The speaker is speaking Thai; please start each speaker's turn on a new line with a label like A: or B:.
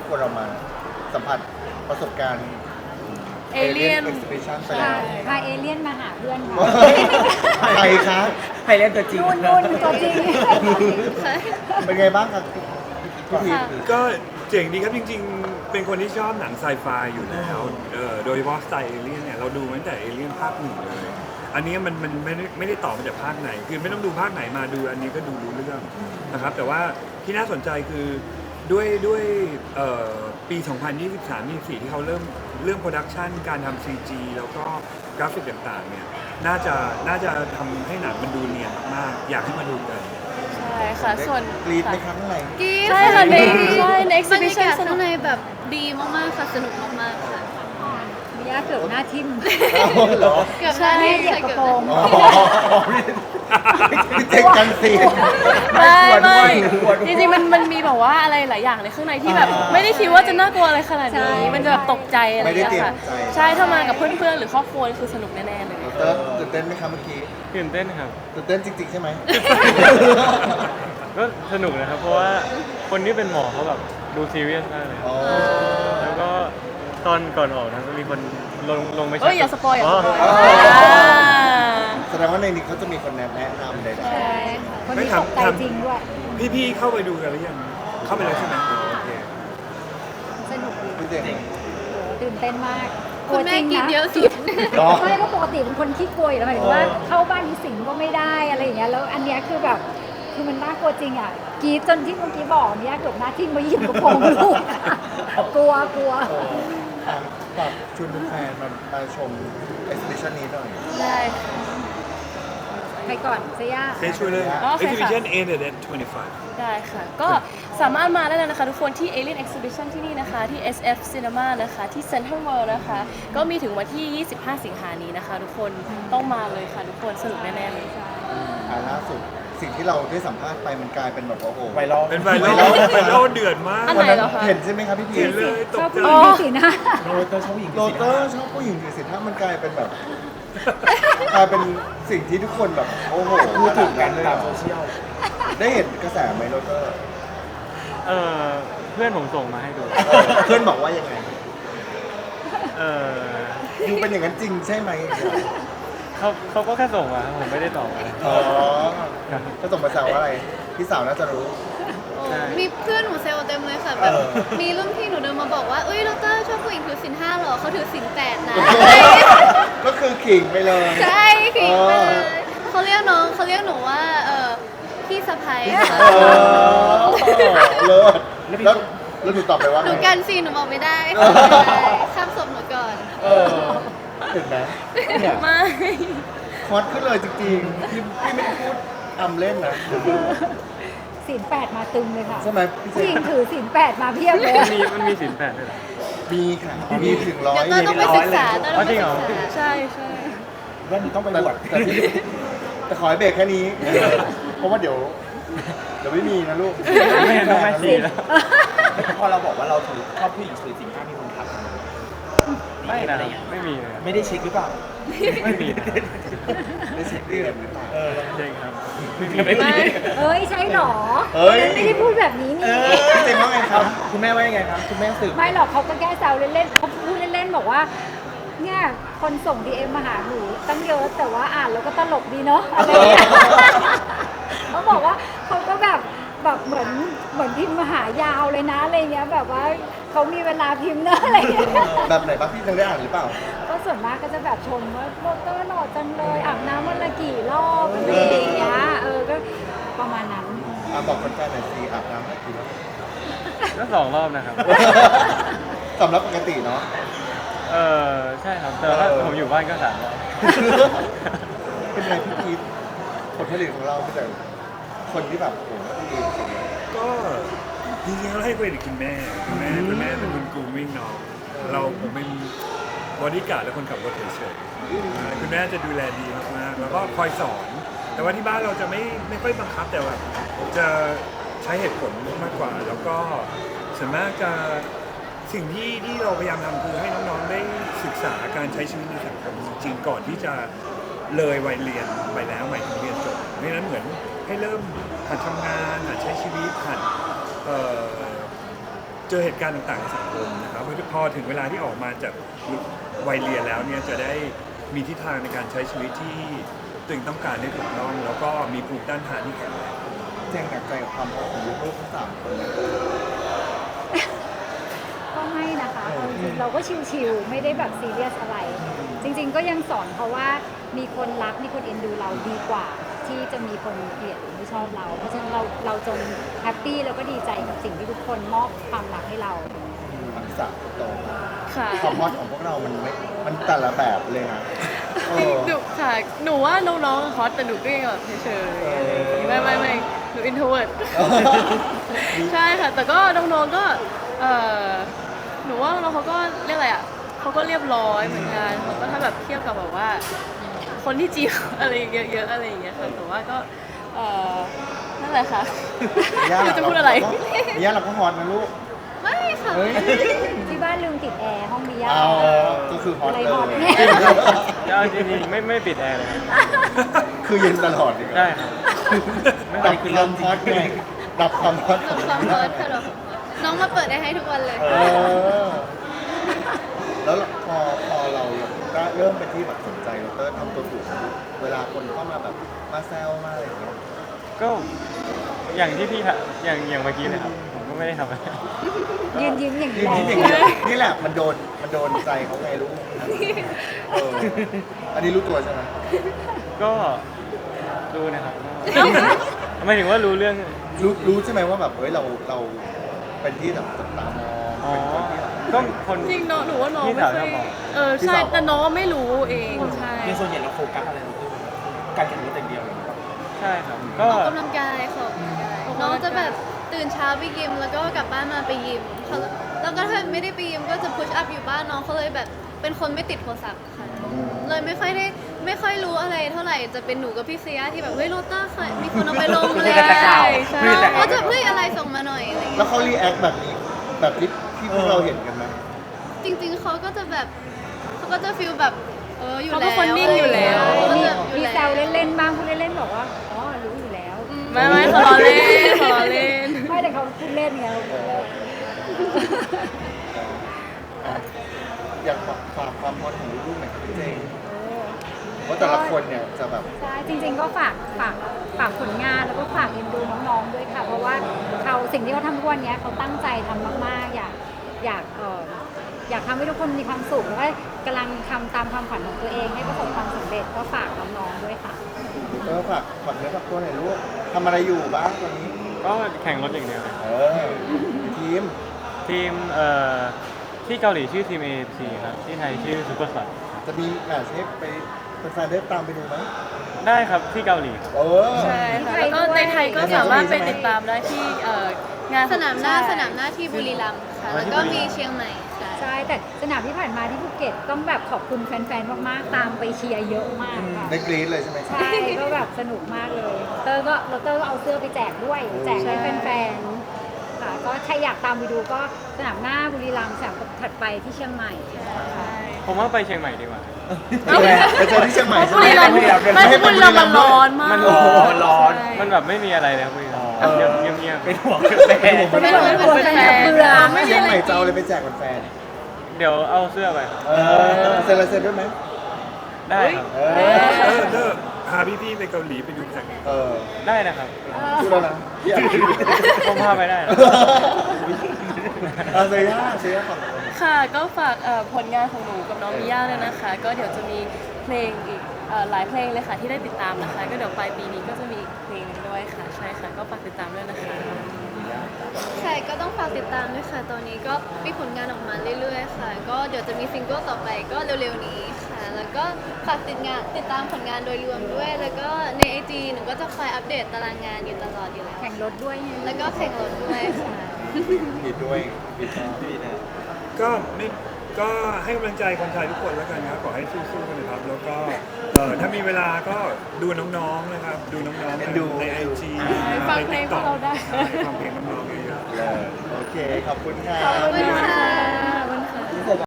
A: กวนเรามาสัมผัสประสบการณ์
B: เอเลี่ยน
A: Exhibition ไปแล้ว
C: พาเอเลี่ยนมาหาเพื่อนค่ะ
A: ใครคะ
D: ใครเล่นตัวจริง
C: นุ่นตัวจริง
A: เป็นไงบ้างครับพี่พี
E: ก็เจ๋งดีครับจริงๆ เป็นคนที่ชอบหนังไซไฟอยู่แล้วโดยเฉพาะสไตล์เอเลี่ยนเนี่ยเราดูมาตั้งแต่เอเลี่ยนภาคหนึ่งเลย อันนี้มันไม่ได้ต่อมาจากภาคไหน คือไม่ต้องดูภาคไหนมาดูอันนี้ก็ดูรู้เรื่องนะครับแต่ว่าที่น่าสนใจคือด้วยปี 2023-24 ที่เขาเริ่มโปรดักชันการทำ CG แล้วก็กราฟิกต่างๆเนี่ยน่าจะทำให้หนังมันดูเนียนมากๆอยากให้มาดูกัน
B: ใช่ค่ะส่วน
A: กรีดไหมครับข้างใน
B: ใช่ค่ะใน
F: บรร
B: exhibition
F: ยากาศข้างในแบบดีมากๆค่ะสนุกมากๆค่ะ
C: มีย่าเกือบหน้าทิ่ม
A: เหรอ
F: เกือบได้
C: เหยียบกระโปรง
A: อ๋อพี่เจ๊กันสิ
B: ไม่จริงๆมันมีแบบว่าอะไรหลายอย่างในข้างในที่แบบไม่ได้คิดว่าจะน่ากลัวอะไรขนาดนี้มันจะแบบตกใจอะไรอย่างเงี้ยค่ะใช่ถ้ามากับเพื่อนๆหรือครอบครัวคือสนุกแน่ๆเลย
A: เติร์ดตื่นเต้นไหมครับเมื่อกี้
D: ตื่นเต้นครับ
A: ตื่นเต้นจริงๆใช่ไหม
D: ก็สนุกนะครับ เพราะว่าคนที่เป็นหมอเขาแบบดูซีเรียสมากเลย
A: อ๋อ
D: แล้วก็ตอนก่อนออกนะก็มีคนลงไป
B: เอ้ยอย่าสปอยอย่าสปอย
A: แสดงว่าในนี้เขาจะมีคนแนะนำใด
C: ใช่ค่ะคนนี้ตกใจจริงด้วย
E: พี่ๆเข้าไปดูกันหรือยังเข้าไปแล้วใช่ไหมโอเค
C: สนุกดี
A: ๆพี่เจ๋ง
C: โอ้ตื่นเต้นมาก
F: คุณแม่กินเยอะสุด
A: หรอ
C: ไม่ก็ปกติเป็นคนขี้กลัวอยู่แล้วหมายถึงว่าเข้าบ้านมีสิงก็ไม่ได้อะไรอย่างเงี้ยแล้วอันเนี้ยคือแบบคือมันน่ากลัวจริงอ่ะกรีดจนที่เมื่อกี้บอกเนี้ยเกือบหน้าทิ่มมาหยิบกระโปรงลูกกลัว
A: ฝากชวนแฟนมาชม exhibition นี้หน่อย
B: ได้ค่ะ
C: ไปก่อนเซย่า
E: เซช่วยเลย
B: โอเคค่ะ
E: exhibition ended at 25
B: ได้ค่ะ ก็สามารถมาได้เลยนะคะทุกคนที่ Alien Exhibition ที่นี่นะคะ ที่ SF Cinema นะคะ ที่ Central World นะคะ ก็มีถึงวันที่ 25 สิงหานี้นะคะ ทุกคนต้องมาเลยค่ะ ทุกคนสนุกแน่ๆเลย
A: ล่าสุดสิ่งที่เราได้สัมภาษณ์ไปมันกลายเป็นแบบว่าโอ้โห
D: ไวรัล
E: เป็นไวรัลเดือดมาก
B: อัน
A: วัน
B: ไหน
A: นั้น
B: เหรอคะ
A: เห็นใช่ไหมครับพี่พี
E: เห็นเลย ต
C: ช
E: ก
C: อบ
E: ใจ
C: ผู้หญิงมีสีหน้า
D: โรเตอร์ชอบผู้หญิง
A: โรเตอร์ชอบผู้หญิงถือสินถ้ามันกลายเป็นแบบกลายเป็นสิ่งที่ทุกคนแบบโอ้โห
D: พูดถึงกัน
A: เลย
D: ตามโซเชียล
A: ได้เห็นกระแสไหมโรเตอร์
D: เออเพื่อนผมส่งมาให้ดู
A: เพื่อนบอกว่ายังไง
D: เออ
A: ยูเป็นอย่างนั้นจริงใช่ไหม
D: เขาก็แค่ส่งมาครับผมไม่ได้ตอบอะไร
A: อ๋อก็ส่งมาแซวว่าอะไรพี่สาวน่าจะรู้
F: มีเพื่อนหนูเซลเต็มเลยค่ะแบบ มีรุ่นพี่หนูเดินมาบอกว่าเอ้ยดรชอบผู้หญิงถือศีล5หรอเขาถือศีล8นะ
A: ก็คือขิงไปเลย
F: ใช่ผิดไปเลยเขาเรียกหนูว่าพี่สะพ้ายค่ะ
A: เออเลิศแล้วหนูตอบไปว่า
F: หนู
A: ไง
F: กันสิหนูบอกไม่ได้ข้ามศพหนูก่อน
A: เออเห็นไหมเนี่ย
B: ไม่
A: ฮอตขึ้นเลยจริงๆพี่ไม่ได้พูดอำเล่นนะ
C: ศีลแปดมาตึงเลยค่ะ
A: ใช่ไหมพี่เจ
C: ผู้หญิงถือศีลแปดมาเพียบเลย
D: มันมีสินแปดด้วยเหรอ
A: มีค่ะมีถึงร้อย
F: เดี๋ยวต้องไปศึกษาต้องไปศึกษา
B: ใช่ใช่
D: ว่ามันต้องไป
A: แต่
D: บวช
A: แต่ขอให้เบรกแค่นี้ เพราะว่าเดี๋ยวไม่มีนะลูก
D: ไม่เห็นต้องไม่สีแล้ว
G: พอเราบอกว่าเราถือชอบผู้หญิงถือสิ่งห้ามีคนทัก
D: ไม่นะไม่มีเลย
G: ไม่ได้เช็คหรือเปล่า
D: ไม่มีนะ
A: ได้เช็คเรื่องหรือเปล่า
D: จริงครับ
B: ไม่
C: เอ้ยใช่หรอ
A: เฮ้ย
C: ไม่ได้พูดแบบนี้นี่
A: พี่เจมส์ว่าไงครับ
G: คุณแม่ว่ายังไงครับ คุณแม่สืบ
C: ไม่หรอกเขาก็แค่แซวเล่นๆเขาพูดเล่นๆบอกว่าเนี่ยคนส่ง DM มาหาหนูตั้งเยอะแต่ว่าอ่านแล้วก็ตลกดีเนาะอะไรอย่างเงี้ยเขาบอกว่าเขาก็แบบเหมือนพิมพ์มาหายาวเลยนะอะไรเงี้ยแบบว่าเขามีเวลาพิมพ์เนอะอะไรเงี้ย
A: แบบไหนบ้างพี่ยังได้อ่านหรือเปล่า
C: ก็ส่วนมากก็จะแบบชมว่าโรเตอร์หล่อจังเลยอาบน้ำวันละกี่รอบอะไรอย่างเงี้ยก็ประมาณนั้น
A: บอกคนแฟนหน่อยสิอาบน้ำให้กี่รอบ
D: ก็2 รอบนะครับ
A: สำหรับปกติเนาะ
D: ใช่ครับ แต่ถ้าผมอยู่บ้านก็3 รอบ
A: เป็นไงพี่พีทผลผลิตของเราเป็นแต่คนที่แบบโอ้โหดีจริง
E: ก็จริงๆเราให้เครดิตคุณแม่เป็นคนกรูมมิ่งน้องผมเป็นบอดี้การ์ดและคนขับรถเฉยๆคุณแม่จะดูแลดีมากๆแล้วก็คอยสอน แต่ว่าที่บ้านเราจะไม่ค่อยบังคับแต่ว่าจะใช้เหตุผลมากกว่า แล้วก็ส่วนมากจะสิ่งที่เราพยายามทำคือให้น้องๆได้ศึกษาการใช้ชีวิตในสังคมจริงก่อนที่จะเลยวัยเรียนไปแล้วหมายถึงเรียนจบเพราะฉะนั้นเหมือนให้เริ่มหัดทำงานหัดใช้ชีวิตหัดเจอเหตุการณ์ต่างๆในสังคมนะครับพอถึงเวลาที่ออกมาจากวัยเรียนแล้วเนี่ยจะได้มีทิศทางในการใช้ชีวิตที่ตัวเองต้องการได้ถูกต้องแล้วก็มีภูมิต้านทานที่แข็งแรง
A: เจงหนักใจกับความรักของลูกๆทั้งสามคนนะ
C: ก็ไม่นะคะเอาจริงๆเราก็ชิวๆไม่ได้แบบซีเรียสอะไร จริง ๆ ก็ยังสอนเขาว่ามีคนรักมีคนเอ็นดูเราดีกว่า ที่จะมีคนเกลียดหรือไม่ชอบเรา เพราะฉะนั้นเราจงแฮปปี้แล้วก็ดีใจกับสิ่งที่ทุกคนมอบความรักให้เรา
A: ทั้งสามโตมา
B: ค่ะ
A: ความฮอตของพวกเรามันแต่ละแบบเลยนะเออ
B: หนูค่ะ หนูว่าน้องๆฮอตแต่หนูก็ยังแบบเฉยๆอะไรอย่างงี้ไม่หนูอินโทรเวิร์ด ใช่ค่ะ แต่ก็น้องๆก็หนูว่าน้องเขาก็เรียกอะไรอ่ะเขาก็เรียบร้อยเหมือนกันเขาก็ถ้าแบบเทียบกับแบบว่า คนที่จีบอะไรเยอะๆอะไรอย่างเงี้ยค่ะแต่ว่าก็นั่นแหละค่ะไม่รู้จะพูดอะไร
A: ย่าเราก็ฮอตนะลูก
F: ไม่ค่ะ
A: เฮ้ย
C: ที่บ้านลืมติดแอร์ห้องมีย่า
A: เอาก็คือฮอต
C: อะไร
A: เล
C: ฮอต
A: ย
C: เนี่ย
D: เอาจริงๆไม่ปิดแอร์เลย
A: คือเย็นตลอดเลย
D: ได้ครับ
A: ดับความฮอตไงดับความฮอต
F: หลบความร้อนค่ะหลบความร้อนน้องมาเปิดได้ให้ทุกวันเลย
A: เออแล้วพอเราก็เริ่มเป็นที่แบบสนใจเราก็ทำตัวถูกเวลาคนเข้ามาแบบมาแซวมาอะไรอย่างเงี้ย
D: ก็อย่างที่พี่อย่างเมื่อกี้เลยครับผมก็ไม่ได้ทำอะไร
C: ยืนยิ้มอย่าง
A: นี่
C: นี้
A: นี่แหละมันโดนใจเขาไงลูกเอออันนี้รู้ตัวใช่ไหม
D: ก็รู้นะครับหมายถึงว่ารู้เรื่อง
A: รู้ใช่ไหมว่าแบบเฮ้ยเราเป็นที่แบบจับตามอง
D: อ๋อ
A: เป็นคนที่แบบ
D: ก็คน
B: จริงเนาะหนูว่าน้อง
D: พี่
B: ไม่
D: สาว
B: ค่อย
D: ชอบบอก
B: ใช่แต่น้องไม่รู้เองใช่
G: ในส่วนใหญ่เราโฟกัสอะไรเราการแข่งรถอย่างเดียวเลย
D: ใช่ครับ
F: อ
D: ก็
F: อกกำลังกายค่ะออกกำลังกายน้องจะแบบตื่นเช้าไปยิมแล้วก็กลับบ้านมาไปยิมเขาแล้วก็ถ้าไม่ได้ไปยิมก็จะพุชอัพอยู่บ้านน้องเขาเลยแบบเป็นคนไม่ติดโทรศัพท์ค่ะเลยไม่ค่อยรู้อะไรเท่าไหร่จะเป็นหนูกับพี่เซียที่แบบเฮ้ยโรต้าค่ะมีคนเอาไปลงเลย
G: แต่ข่าว
B: ใช่
F: ก็จะเฮ้ยอะไรส่งมาหน่อยอะไรอย่าง
A: แล้
F: เงี้
A: วย เขารีแอคแบบนี้แบบที่พวกเราเห็นกันไหม
F: จริงๆเขาก็จะแบบเขาก็จะฟีลแบบอยู่
B: เขา
F: แล้ว
B: เป็นคนนิ่งอยู่แล้ว
F: เขาก็
C: มี
F: จะอยู่
C: มี
F: แล้ว
C: แซวเล่นๆบ้างพูดเล่นๆบอกว่าอ๋อรู้อยู่แล้ว
B: ไม่ขอล้อเล่นขอล้อเล่น
C: ไม่แต่เขาพูดเล่นไงเราพูดเล่น
A: อยากความฮอตของลูกๆหน่อยครับพี่เจงว่าแต่ละคนเนี่ยจะแบบ
C: ใช่จริงๆก็ฝากผลงานแล้วก็ฝากเอ็นดูน้องๆด้วยค่ะ เพราะว่าสิ่งที่เขาทำทุกวันนี้เขาตั้งใจทำมากๆอยากทำให้ทุกคนมีความสุขแล้วก็กำลังทำตามความฝันของตัวเองให้ประสบความสำเร็จก็ฝากน้องๆด้วยค่ะ
A: ฝากเนื้อฝากตัวหน่อยลูกทำอะไรอยู่บ้างตอนนี้
D: ก็แข่งรถอย่างเดียวเลย
A: ทีม
D: ทีมที่เกาหลีชื่อทีม AFC ครับที่ไทยชื่อซูเปอร์สปอร์ต
A: จะมีแมตช์ให้ไปแฟนๆได้ตามไปดูไหม
D: ได้ครับที่เกาหลีครับ
B: ใช่ค่ะแล้วก็ในไทยก็สามารถไปติดตามได้ที่งาน
F: สนามหน้าที่บุรีรัมย์ค่ะแล้วก็มีเชียงใหม่ค่ะ
C: ใช่แต่สนามที่ผ่านมาที่ภูเก็ตต้องแบบขอบคุณแฟนๆมากๆตามไปเชียร์เยอะมากค่ะ
A: ได้กรี๊ดเลยใช่ไหม
C: ใช่ก็แบบสนุกมากเลยเตอร์ก็เอาเสื้อไปแจกด้วยแจกให้แฟนๆค่ะก็ใครอยากตามไปดูก็สนามหน้าบุรีรัมย์สนามถัดไปที่เชียงใหม่ค่ะ
D: ผมว่าไปเชียงใหม่ดีกว่า
A: ไปเจอที่เชียงใหม่ใช่
B: บุ
A: ไหม
B: รีรัมย์ไม่ใช่บุรีรัมย์มันร้อนมาก
D: มัน
G: โอ้โหมันร้อน
B: ใช่
D: มันแบบไม่มีอะไรเลยครับพี่เงียบ
G: เป็นห่วงแม่
C: ไม่ต้องกลัวแฟนๆเบื่อ
B: ไม่มี
A: เชียง
B: อะไร
A: ใหม่จะเอาอะไรไปแจกแฟน
D: ๆเดี๋ยวเอาเสื้อไปครับ
A: เซ็นลายเซ็นด้วยไหม
D: ได้ครับ
E: พาพี่ๆไปเกาหลีไปดูแข่ง
D: ได้นะครับ
A: พูดแล้วนะ
D: ผมพาไปได้นะ
A: เซียก่อน
B: ค่ะก็ฝากผลงานของหนูกับน้องมิย่าเลยนะคะ ก็เดี๋ยวจะมีเพลงอีกหลายเพลงเลยค่ะที่ได้ติดตามนะคะ ก็เดี๋ยวปลายปีนี้ก็จะมีอีกเพลงหนึงด้วยค่ะใช่ค่ะก็ฝากติดตามด้วยนะคะ
F: ใช่ก็ต้องฝากติดตามด้วยค่ะ ตอนนี้ก็มีผลงานออกมาเรื่อยๆค่ะ ก็เดี๋ยวจะมีซิงเกิลต่อไปก็เร็วๆนี้ค่ะ แล้วก็ฝากติดตามผลงานโดยรวมด้วย แล้วก็ใน IG หนูก็จะคอยอัปเดตตารางงานอยู่ตลอดอยู่แล้ว
C: แข่งรถด้วยไง
F: แล้วก็แข่งรถด้วยค่ะ
A: ผิดด้วยผิดนะ
E: ก็ให้กำลังใจคนไทยทุกคนแล้วกันนะครับขอให้สู้ๆกันนะครับ แล้วก็ถ้ามีเวลาก็ดูน้องๆนะครับ ดูน้องๆในไอจี
B: ฟังเพลงพวกเราได้
E: ฟังเพลงน้องๆเยอะๆ
A: โอเค ขอบคุณค่ะ
F: ขอบคุณค่ะ